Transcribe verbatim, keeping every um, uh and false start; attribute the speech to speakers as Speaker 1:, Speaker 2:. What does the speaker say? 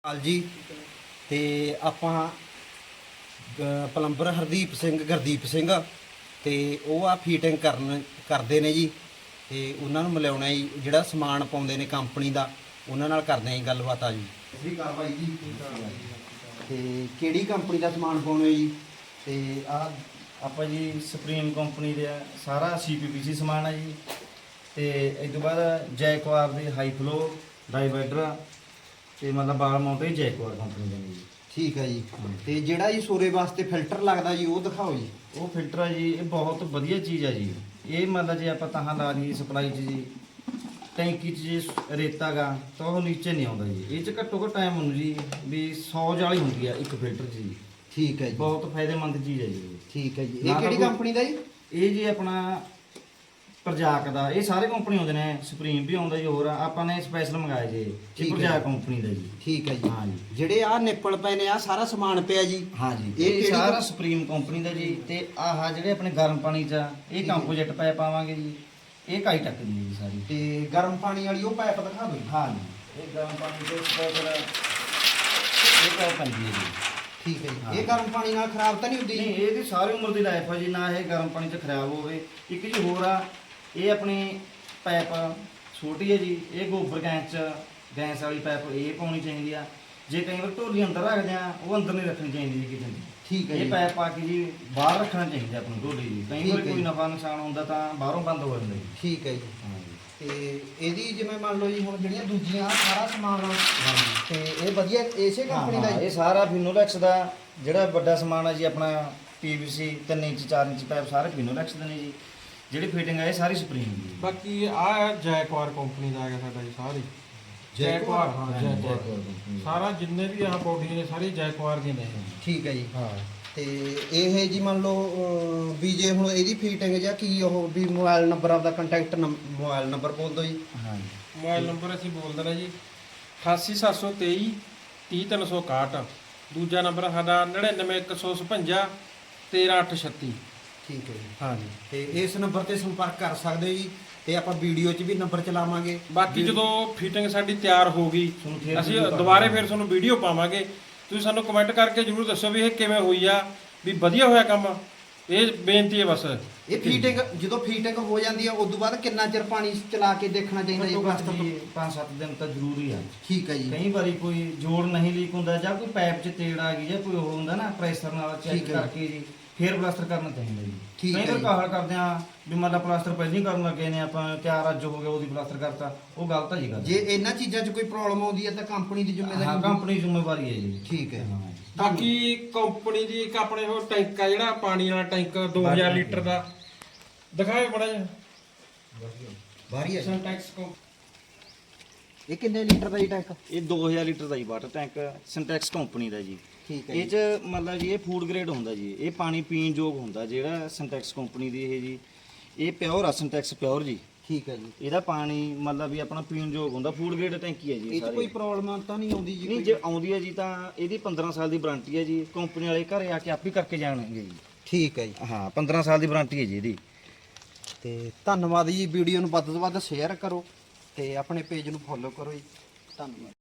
Speaker 1: ਹਾਲ ਜੀ ਤੇ ਆਪਾਂ ਪਲੰਬਰ ਹਰਦੀਪ ਸਿੰਘ ਗੁਰਦੀਪ ਸਿੰਘ ਤੇ ਉਹ ਆ ਫੀਟਿੰਗ ਕਰਨ ਕਰਦੇ ਨੇ ਜੀ ਤੇ ਉਹਨਾਂ ਨੂੰ ਮਿਲਾਉਣਾ ਜੀ ਜਿਹੜਾ ਸਮਾਨ ਪਾਉਂਦੇ ਨੇ ਕੰਪਨੀ ਦਾ ਉਹਨਾਂ ਨਾਲ ਕਰਦੇ ਆਂ ਜੀ ਗੱਲਬਾਤ ਆ ਜੀ ਸਹੀ ਕਾਰਵਾਈ ਜੀ ਤੇ ਕਿਹੜੀ ਕੰਪਨੀ ਦਾ ਸਮਾਨ ਪਾਉਣੇ ਜੀ
Speaker 2: ਤੇ ਆ ਆਪਾਂ ਜੀ ਸੁਪਰੀਮ ਕੰਪਨੀ ਦੇ ਸਾਰਾ ਸੀਪੀਪੀਸੀ ਸਮਾਨ ਹੈ ਜੀ ਤੇ ਇਸ ਤੋਂ ਬਾਅਦ ਜੈਕਵਾਰ ਦੇ ਹਾਈ ਫਲੋ ਡਾਈਵਾਈਡਰ ਤੇ ਮਤਲਬ ਬਾਲ ਮਾਉਂਟ ਹੀ ਜੈਕਵਾਰ ਕੰਪਨੀ ਦੇ ਨੇ ਜੀ।
Speaker 1: ਠੀਕ ਹੈ ਜੀ ਤੇ ਜਿਹੜਾ ਜੀ ਸੋਰੇ ਵਾਸਤੇ ਫਿਲਟਰ ਲੱਗਦਾ ਜੀ ਉਹ ਦਿਖਾਓ ਜੀ।
Speaker 2: ਉਹ ਫਿਲਟਰ ਹੈ ਜੀ ਇਹ ਬਹੁਤ ਵਧੀਆ ਚੀਜ਼ ਹੈ ਜੀ। ਇਹ ਮਤਲਬ ਜੇ ਆਪਾਂ ਤਾਹਾਂ ਲਾ ਲਈਏ ਸਪਲਾਈ 'ਚ ਜੀ ਟੈਂਕੀ 'ਚ ਜੇ ਰੇਤਾ ਗਾ ਤਾਂ ਉਹ ਨੀਚੇ ਨਹੀਂ ਆਉਂਦਾ ਜੀ। ਇਹ 'ਚ ਘੱਟੋ ਘੱਟ ਟਾਈਮ ਹੁੰਦਾ ਜੀ ਵੀ ਸੌ ਜਾਲੀ ਹੁੰਦੀ ਆ ਇੱਕ ਫਿਲਟਰ 'ਚ ਜੀ।
Speaker 1: ਠੀਕ ਹੈ ਜੀ
Speaker 2: ਬਹੁਤ ਫਾਇਦੇਮੰਦ ਚੀਜ਼ ਹੈ ਜੀ।
Speaker 1: ਠੀਕ ਹੈ ਜੀ ਇਹ ਕਿਹੜੀ ਕੰਪਨੀ ਦਾ ਜੀ?
Speaker 2: ਇਹ ਜੀ ਆਪਣਾ ਪ੍ਰਜਾਕ ਦਾ। ਇਹ ਸਾਰੇ ਕੰਪਨੀ ਆਉਂਦੇ ਨੇ ਸੁਪਰੀਮ ਵੀ ਆਉਂਦਾ ਜੀ ਹੋਰ ਆਪਾਂ ਨੇ ਸਪੈਸ਼ਲ ਮੰਗਾਇਆ ਜੀ ਇਹ ਪ੍ਰਜਾਕ ਕੰਪਨੀ ਦਾ ਜੀ।
Speaker 1: ਠੀਕ ਹੈ ਜੀ
Speaker 2: ਹਾਂ ਜੀ
Speaker 1: ਜਿਹੜੇ ਆ ਨਿੱਪਲ ਪਏ ਨੇ ਆ ਸਾਰਾ ਸਮਾਨ ਪਿਆ ਜੀ।
Speaker 2: ਹਾਂ ਜੀ
Speaker 1: ਇਹ
Speaker 2: ਇਹ
Speaker 1: ਕਿਹੜੀ
Speaker 2: ਸਾਰਾ ਸੁਪਰੀਮ ਕੰਪਨੀ ਦਾ ਜੀ। ਤੇ ਆਹ ਜਿਹੜੇ ਆਪਣੇ ਗਰਮ ਪਾਣੀ 'ਚ ਇਹ ਕੰਪੋਜਿਟ ਪਾਇਪ ਪਾਵਾਂਗੇ ਜੀ। ਇਹ ਕਾਈ ਟੱਕਦੀ ਹੈ ਜੀ ਸਾਰੀ।
Speaker 1: ਤੇ ਗਰਮ ਪਾਣੀ ਵਾਲੀ ਉਹ ਪਾਇਪ ਦਿਖਾ ਦਿਓ।
Speaker 2: ਹਾਂ ਜੀ ਇਹ ਗਰਮ ਪਾਣੀ ਦੇ ਸਪੈਸ਼ਲ ਇਹ ਪਾਇਪ ਪੈਂਦੀ ਹੈ ਜੀ।
Speaker 1: ਠੀਕ ਹੈ ਜੀ ਇਹ ਗਰਮ ਪਾਣੀ ਨਾਲ ਖਰਾਬ ਤਾਂ ਨਹੀਂ ਹੁੰਦੀ?
Speaker 2: ਨਹੀਂ ਇਹਦੀ ਸਾਰੀ ਉਮਰ ਦੀ ਲਾਈਫ ਹੈ ਜੀ। ਨਾ ਇਹ ਗਰਮ ਪਾਣੀ 'ਚ ਖਰਾਬ ਹੋਵੇ। ਇੱਕ ਜੀ ਹੋਰ ਆ ਇਹ ਆਪਣੀ ਪਾਈਪ ਛੋਟੀ ਹੈ ਜੀ। ਇਹ ਗੋਬਰ ਗੈਸ 'ਚ ਗੈਸ ਵਾਲੀ ਪਾਈਪ ਇਹ ਪਾਉਣੀ ਚਾਹੀਦੀ ਆ। ਜੇ ਕਈ ਵਾਰ ਢੋਲੀ ਅੰਦਰ ਰੱਖਦੇ ਆ ਉਹ ਅੰਦਰ ਨਹੀਂ ਰੱਖਣੀ ਚਾਹੀਦੀ ਜੀ ਕਿਤੇ।
Speaker 1: ਠੀਕ ਹੈ
Speaker 2: ਇਹ
Speaker 1: ਜੀ
Speaker 2: ਪਾਈਪ ਪਾ ਕੇ ਜੀ ਬਾਹਰ ਰੱਖਣਾ ਚਾਹੀਦਾ ਆਪਣੀ ਢੋਲੀ ਜੀ। ਕਈ ਵਾਰ ਕੋਈ ਨਫਾ ਨੁਕਸਾਨ ਹੁੰਦਾ ਤਾਂ ਬਾਹਰੋਂ ਬੰਦ ਹੋ ਜਾਂਦਾ ਜੀ।
Speaker 1: ਠੀਕ ਹੈ ਜੀ
Speaker 2: ਹਾਂ ਜੀ
Speaker 1: ਤੇ ਇਹਦੀ ਜਿਵੇਂ ਮੰਨ ਲਓ ਜੀ ਹੁਣ ਜਿਹੜੀਆਂ ਦੂਜੀਆਂ ਸਾਰਾ ਸਮਾਨ ਤੇ ਇਹ ਵਧੀਆ ਇਸੇ ਕੰਪਨੀ ਦਾ
Speaker 2: ਇਹ
Speaker 1: ਜੀ?
Speaker 2: ਸਾਰਾ ਫਿਨੋਲੈਕਸ ਦਾ ਜਿਹੜਾ ਵੱਡਾ ਸਮਾਨ ਹੈ ਜੀ ਆਪਣਾ ਪੀਵੀਸੀ ਤਿੰਨ ਇੰਚ ਚਾਰ ਇੰਚ ਪਾਈਪ ਸਾਰੇ ਫਿਨੋਲੈਕਸ ਦੇ ਨੇ ਜੀ। ਜਿਹੜੀ ਫਿਟਿੰਗ ਹੈ ਇਹ ਸਾਰੀ ਸੁਪਰੀਮ ਦੀ।
Speaker 3: ਬਾਕੀ ਆ ਜੈਕਵਾਰ ਕੰਪਨੀ ਦਾ ਹੈਗਾ ਸਾਡਾ ਜੀ ਸਾਰੀ ਜੈਕਵਾਰ। ਹਾਂ ਜੈਕਵਾਰ ਸਾਰਾ ਜਿੰਨੇ ਵੀ ਆਹ ਬੋਡੀ ਨੇ ਸਾਰੀ ਜੈਕਵਾਰ ਦੀ ਨੇ।
Speaker 1: ਠੀਕ ਹੈ ਜੀ
Speaker 3: ਹਾਂ
Speaker 1: ਤੇ ਇਹ ਜੀ ਮੰਨ ਲਓ ਅਹ, ਵੀ ਜੇ ਹੁਣ ਇਹਦੀ ਫੀਟਿੰਗ ਜਾਂ ਕੀ ਉਹ ਵੀ ਮੋਬਾਈਲ ਨੰਬਰ ਆਪਦਾ ਕੰਟੈਕਟ ਮੋਬਾਈਲ ਨੰਬਰ ਬੋਲ ਦਿਓ ਜੀ।
Speaker 2: ਹਾਂ ਜੀ
Speaker 3: ਮੋਬਾਈਲ ਨੰਬਰ ਅਸੀਂ ਬੋਲ ਦੇਣਾ ਜੀ ਅਠਾਸੀ ਸੱਤ ਸੌ ਤੇਈ ਤੀਹ ਤਿੰਨ ਸੌ ਇਕਾਹਠ। ਦੂਜਾ ਨੰਬਰ ਸਾਡਾ ਨੜਿਨਵੇਂ ਇੱਕ ਸੌ ਛਪੰਜਾ ਤੇਰਾਂ ਅੱਠ ਛੱਤੀ।
Speaker 1: ਠੀਕ ਹੈ ਜੀ
Speaker 3: ਹਾਂ ਜੀ
Speaker 1: ਤੇ ਇਸ ਨੰਬਰ ਤੇ ਸੰਪਰਕ ਕਰ ਸਕਦੇ ਹੋ ਜੀ ਤੇ ਆਪਾਂ ਵੀਡੀਓ 'ਚ ਵੀ ਨੰਬਰ ਚਲਾਵਾਂਗੇ।
Speaker 3: ਬਾਕੀ ਜਦੋਂ ਫਿਟਿੰਗ ਸਾਡੀ ਤਿਆਰ ਹੋ ਗਈ ਅਸੀਂ ਦੁਬਾਰੇ ਫਿਰ ਤੁਹਾਨੂੰ ਵੀਡੀਓ ਪਾਵਾਂਗੇ। ਤੁਸੀਂ ਸਾਨੂੰ ਕਮੈਂਟ ਕਰਕੇ ਜ਼ਰੂਰ ਦੱਸੋ ਵੀ ਇਹ ਕਿਵੇਂ ਹੋਈ ਆ ਵੀ ਵਧੀਆ ਹੋਇਆ ਕੰਮ। ਇਹ ਬੇਨਤੀ ਹੈ ਬਸ।
Speaker 1: ਇਹ ਫੀਟਿੰਗ ਜਦੋਂ ਫੀਟਿੰਗ ਹੋ ਜਾਂਦੀ ਹੈ ਉਦੋਂ ਬਾਅਦ ਕਿੰਨਾ ਚਿਰ ਪਾਣੀ ਚਲਾ ਕੇ ਦੇਖਣਾ ਚਾਹੀਦਾ ਜੀ? ਵਾਸਤੇ
Speaker 2: ਜੀ ਪੰਜ ਸੱਤ ਦਿਨ ਤਾਂ ਜ਼ਰੂਰੀ ਆ।
Speaker 1: ਠੀਕ ਹੈ ਜੀ
Speaker 2: ਕਈ ਵਾਰੀ ਕੋਈ ਜੋੜ ਨਹੀਂ ਲੀਕ ਹੁੰਦਾ ਜਾਂ ਕੋਈ ਪਾਈਪ 'ਚ ਤੇੜ ਆ ਗਈ ਜਾਂ ਕੋਈ ਉਹ ਹੁੰਦਾ ਨਾ ਪ੍ਰੈਸ਼ਰ ਨਾਲ ਚੈੱਕ
Speaker 1: ਠੀਕ ਹੈ।
Speaker 2: ਕਰਕੇ ਜੀ ਫੇਰ ਪਲਾਸਟਰ ਕਰਨਾ ਚਾਹੀਦਾ ਜੀ।
Speaker 1: ਠੀਕ
Speaker 2: ਕਈ
Speaker 1: ਹੈ
Speaker 2: ਵਾਰ
Speaker 1: ਜੀ।
Speaker 2: ਕਾਹਲ ਕਰਦੇ ਆ ਵੀ ਮਤਲਬ ਪਲਾਸਟਰ ਪਹਿਲਾਂ ਹੀ ਕਰਨ ਲੱਗੇ ਨੇ ਆਪਾਂ ਤਿਆਰ ਅੱਜ ਹੋ ਗਿਆ ਉਹਦੀ ਪਲਾਸਟਰ ਕਰਤਾ ਉਹ ਗਲਤ ਹੈ ਜੀ ਗੱਲ।
Speaker 1: ਜੇ ਇਹਨਾਂ ਚੀਜ਼ਾਂ 'ਚ ਕੋਈ ਪ੍ਰੋਬਲਮ ਆਉਂਦੀ ਹੈ ਤਾਂ ਕੰਪਨੀ ਦੀ
Speaker 2: ਹਾਂ
Speaker 1: ਜ਼ਿੰਮੇਵਾਰੀ?
Speaker 2: ਕੰਪਨੀ ਦੀ ਜ਼ਿੰਮੇਵਾਰੀ ਹੈ ਜੀ।
Speaker 1: ਠੀਕ ਹੈ।
Speaker 2: ਹਾਂ
Speaker 3: ਬਾਕੀ ਕੰਪਨੀ ਦੀ ਇੱਕ ਆਪਣੇ ਉਹ ਟੈਂਕ ਆ ਜਿਹੜਾ ਪਾਣੀ ਵਾਲਾ ਟੈਂਕ ਦੋ ਹਜ਼ਾਰ ਲੀਟਰ ਦਾ ਦਿਖਾਏ ਬੜਾ ਜਿਹਾ
Speaker 1: ਬਾਰੀ ਹੈ
Speaker 3: ਸਿੰਟੈਕਸ ਕੋ।
Speaker 1: ਇਹ ਕਿੰਨੇ ਲੀਟਰ ਦਾ ਜੀ ਟੈਂਕ?
Speaker 2: ਇਹ ਦੋ ਹਜ਼ਾਰ ਲੀਟਰ ਦਾ ਜੀ ਵਾਟਰ ਟੈਂਕ ਸਿੰਟੈਕਸ ਕੰਪਨੀ ਦਾ ਜੀ।
Speaker 1: ਠੀਕ ਹੈ
Speaker 2: ਇਹ
Speaker 1: ਜੀ
Speaker 2: ਚ ਮਤਲਬ ਜੀ ਇਹ ਫੂਡ ਗ੍ਰੇਡ ਹੁੰਦਾ ਜੀ। ਇਹ ਪਾਣੀ ਪੀਣ ਯੋਗ ਹੁੰਦਾ ਜਿਹੜਾ ਸਿੰਟੈਕਸ ਕੰਪਨੀ ਦੀ ਇਹ ਜੀ। ਇਹ ਪਿਓਰ ਆ ਸਿੰਟੈਕਸ ਪਿਓਰ ਜੀ।
Speaker 1: ਠੀਕ ਹੈ ਜੀ
Speaker 2: ਇਹਦਾ ਪਾਣੀ ਮਤਲਬ ਵੀ ਆਪਣਾ ਪੀਣ ਯੋਗ ਹੁੰਦਾ। ਫੂਡ ਗ੍ਰੇਡ ਟੈਂਕੀ ਹੈ ਜੀ
Speaker 1: ਇਹ 'ਚ
Speaker 2: ਸਾਰੀ।
Speaker 1: ਕੋਈ ਪ੍ਰੋਬਲਮ ਤਾਂ ਨਹੀਂ ਆਉਂਦੀ ਜੀ?
Speaker 2: ਨਹੀਂ
Speaker 1: ਕੋਈ?
Speaker 2: ਜੇ ਆਉਂਦੀ ਹੈ ਜੀ ਤਾਂ ਇਹਦੀ ਪੰਦਰਾਂ ਸਾਲ ਦੀ ਵਾਰੰਟੀ ਹੈ ਜੀ। ਕੰਪਨੀ ਵਾਲੇ ਘਰੇ ਆ ਕੇ ਆਪ ਹੀ ਕਰਕੇ ਜਾਣਗੇ ਜੀ।
Speaker 1: ਠੀਕ ਹੈ ਜੀ
Speaker 2: ਹਾਂ ਪੰਦਰਾਂ ਸਾਲ ਦੀ ਵਾਰੰਟੀ ਹੈ ਜੀ ਇਹਦੀ।
Speaker 1: ਤੇ ਧੰਨਵਾਦ ਜੀ। ਵੀਡੀਓ ਨੂੰ ਵੱਧ ਤੋਂ ਵੱਧ ਸ਼ੇਅਰ ਕਰੋ ਤੇ ਆਪਣੇ ਪੇਜ ਨੂੰ ਫੋਲੋ ਕਰੋ ਜੀ। ਧੰਨਵਾਦ।